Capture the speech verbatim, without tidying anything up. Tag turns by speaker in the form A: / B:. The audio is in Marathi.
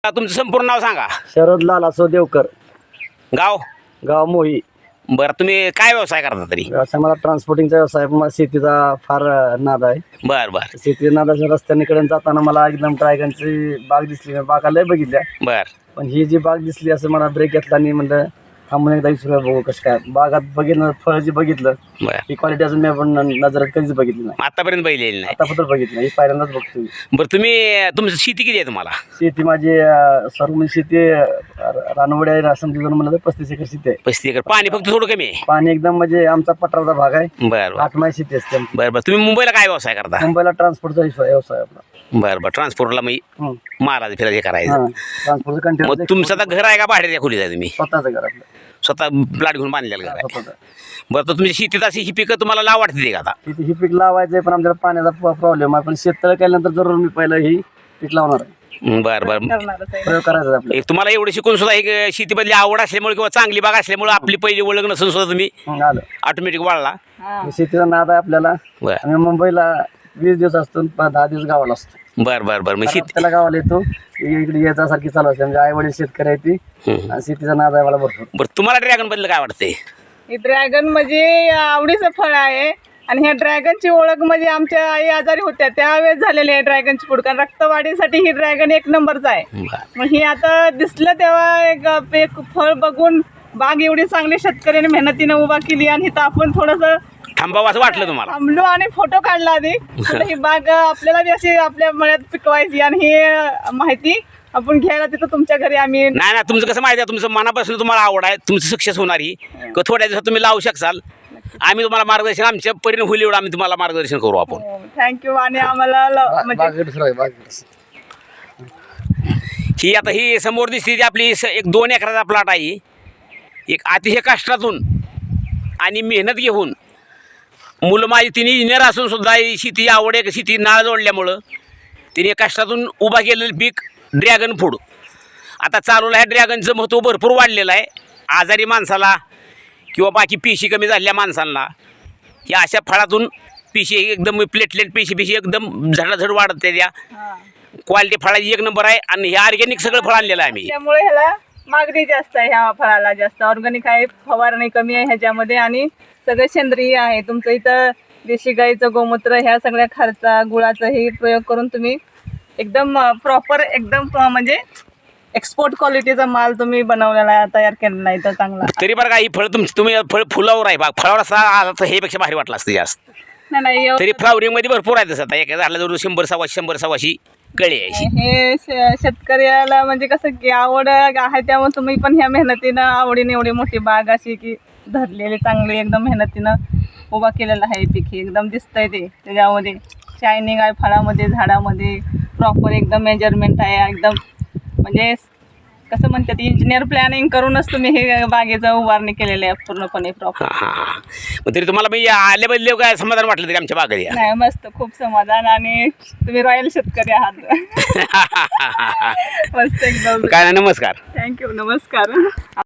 A: तुमचं संपूर्ण नाव सांगा.
B: शरद लालासो देवकर,
A: गाव
B: गाव मोही.
A: बरं, तुम्ही काय व्यवसाय करता तरी?
B: व्यवसाय मला ट्रान्सपोर्टिंगचा व्यवसाय, मला शेतीचा फार नाद आहे.
A: बरं बरं
B: शेती नादाच्या रस्त्याने जाताना मला एकदम ड्रॅगनची बाग दिसली. बागा लय बघितल्या,
A: बरं
B: पण ही जी बाग दिसली असं मला ब्रेक घेतला आणि म्हणलं थांबून एकदा विचारूया बघू कसं काय. बागात बघितलं, फळ जे बघितलं
A: बरं.
B: ही क्वालिटी अजून मी आपण नजरात कधीच बघितली नाही.
A: आतापर्यंत बैलेली नाही.
B: आतापर्यंत बघितलं, ही पहिल्यांदाच बघतोय.
A: बरं, तुम्ही तुमची शेती किती आहे तुम्हाला?
B: शेती माझी अं, सर्व म्हणजे शेती रानवडी आहे. समजून म्हणलं तर पस्तीस एकर शेती आहे.
A: पस्तीस एकर. पाणी फक्त थोडं कमी आहे.
B: पाणी एकदम म्हणजे आमचा पठाराचा भाग आहे.
A: बरं बरं
B: आठ माय शेती असते आमची.
A: बरं बरं तुम्ही मुंबईला काय व्यवसाय करता?
B: मुंबईला ट्रान्सपोर्टचा व्यवसाय आहे आपला.
A: बरं बरं ट्रान्सपोर्टला मी
B: हं.
A: महाराज फिरायचं हे करायचं.
B: हां, ट्रान्सपोर्टचं
A: मग
B: कंटेनर
A: तुमचं आता घर आहे का भाड्याच्या खोलीत आहे तुम्ही?
B: स्वतःचं घर आपलं,
A: स्वतः प्लॉट घेऊन बांधलेलं घर आहे?
B: स्वतःचं.
A: बरं, तर तुमची शेतीत अशी ही पिकं तुम्हाला लाव वाटते का आता?
B: तिथे ही पीक लावायचं आहे, पण आमच्याला पाण्याचा प्रॉब्लेम आहे. पण शेततळ केल्यानंतर जरूर मी पहिलं ही पीक लावणार आहे.
A: बरं बरं
B: प्रयोग करायचा आहे आपल्याला.
A: एक तुम्हाला एवढं शिकून सुद्धा एक शेतीमधली आवड असल्यामुळे किंवा चांगली बाग असल्यामुळे आपली पहिली ओळख नसून सुद्धा तुम्ही
B: हं, आलं.
A: ऑटोमॅटिक वाढला.
B: शेतीचा नाद आहे आपल्याला.
A: बरं
B: आम्ही मुंबईला वीस दिवस असतो, प- दहा दिवस गावाला असतो.
A: बरं बरं बरं मग शेती
B: त्याला गावाला येतो, इकडे याच्यासारखी चालू असते. म्हणजे आई वडील शेतकरी आहे ती,
A: हं.
B: आणि शेतीचा नाद आहे मला भरपूर.
A: बरं, तुम्हाला ड्रॅगन बद्दल काय वाटतंय?
C: हे ड्रॅगन म्हणजे आवडीचं फळ आहे. आणि ह्या ड्रॅगनची ओळख म्हणजे आमच्या आई आजारी होत्या त्यावेळेस झालेली आहे ड्रॅगनची फूड. कारण रक्तवाढीसाठी ही ड्रॅगन एक नंबरचा आहे.
A: बरं
C: मग ही आता दिसलं तेव्हा एक एक फळ बघून बाग एवढी चांगली शेतकऱ्याने मेहनतीनं उभा केली, आणि इथं आपण थोडंसं
A: थांबावं असं वाटलं तुम्हाला?
C: थांबलो आणि फोटो काढला आधी. म्हणलं ही बाग आपल्याला बी अशी आपल्या मळ्यात पिकवायची, आणि ही माहिती आपण घ्यायला तिथं तुमच्या घरी आम्ही.
A: नाही ना, तुमचं कसं माहिती आहे, तुमचं मनापासून तुम्हाला आवड आहे, तुमचं सक्सेस होणार ही का थोड्या दिवसात तुम्ही लावू शकाल. आम्ही तुम्हाला मार्गदर्शन, आमच्या परिणाम होईल एवढं आम्ही तुम्हाला मार्गदर्शन करू आपण.
C: थँक्यू. आणि आम्हाला ल-
B: बा-
C: म्हणजे
B: बागेत दुसरं आहे, बागेत.
A: ही आता ही समोर दिसते ती आपली स- एक दोन एकराचा प्लॉट आहे. एक अतिशय कष्टातून आणि मेहनत घेऊन मुलं माझी तिने इंजिनियर असून सुद्धा ही शेती आवड आहे, शेती नाळ जोडल्यामुळं तिने कष्टातून उभा केलेलं पीक ड्रॅगन फूड आता चालवलं आहे. ड्रॅगनचं महत्त्व भरपूर वाढलेलं आहे. आजारी माणसाला किंवा बाकी पेशी कमी झालेल्या माणसांना या अशा फळातून पेशी एकदम प्लेटलेट पेशी पेशी एकदम झडाझड वाढत त्या
C: हां.
A: क्वालिटी फळाची एक नंबर आहे. आणि हे ऑर्गॅनिक सगळं फळ आणलेलं आहे आम्ही.
C: त्यामुळे ह्याला मागणी जास्त आहे. ह्या फळाला जास्त ऑर्गॅनिक आहे, फवारणी कमी आहे ह्याच्यामध्ये, आणि सगळं सेंद्रिय आहे. तुमचं इथं देशी गाईचं गोमूत्र, ह्या सगळ्या खर्चा गुळाचा हे प्रयोग करून तुम्ही एकदम प्रॉपर एकदम अं, म्हणजे एक्सपोर्ट क्वालिटीचा माल तुम्ही बनवलेला आहे, तयार केलेला आहे इथं चांगला.
A: तरी बरं का ही फळ तुमची तुम्ही फळ फुलावर आहे बाग फळावर असा आला तर हे पेक्षा भारी वाटलं असतं जास्त.
C: नाही नाही एवढं-
A: तरी फ्लावरिंगमध्ये भरपूर आहे तसं. आता एका झाडला जवळ शंभर सव्वाशे शंभर सव्वाशे कळी आहे अशी.
C: हे श- शेतकऱ्याला म्हणजे कसं की आवड आहे, त्यामुळे तुम्ही पण ह्या मेहनतीनं आवडीने एवढी मोठी बाग अशी की धरलेली चांगली एकदम मेहनतीनं उभा केलेला आहे पीक. हे एकदम दिसतंय ते त्याच्यामध्ये शायनिंग आहे फळामध्ये, झाडामध्ये प्रॉपर एकदम मेजरमेंट आहे. एकदम म्हणजे कसं म्हणतात इंजिनियर प्लॅनिंग करूनच तुम्ही हे बागेचं उभारणी केलेली आहे पूर्णपणे प्रॉपर.
A: हां हां हां. मग तरी तुम्हाला मी आल्याबद्दल काय समाधान वाटलं तरी आमच्या बागेत या?
C: नाही मस्त, खूप समाधान. आणि तुम्ही रॉयल शेतकरी आहात. मस्त एकदम.
A: काय नाही, नमस्कार.
C: थँक्यू, नमस्कार.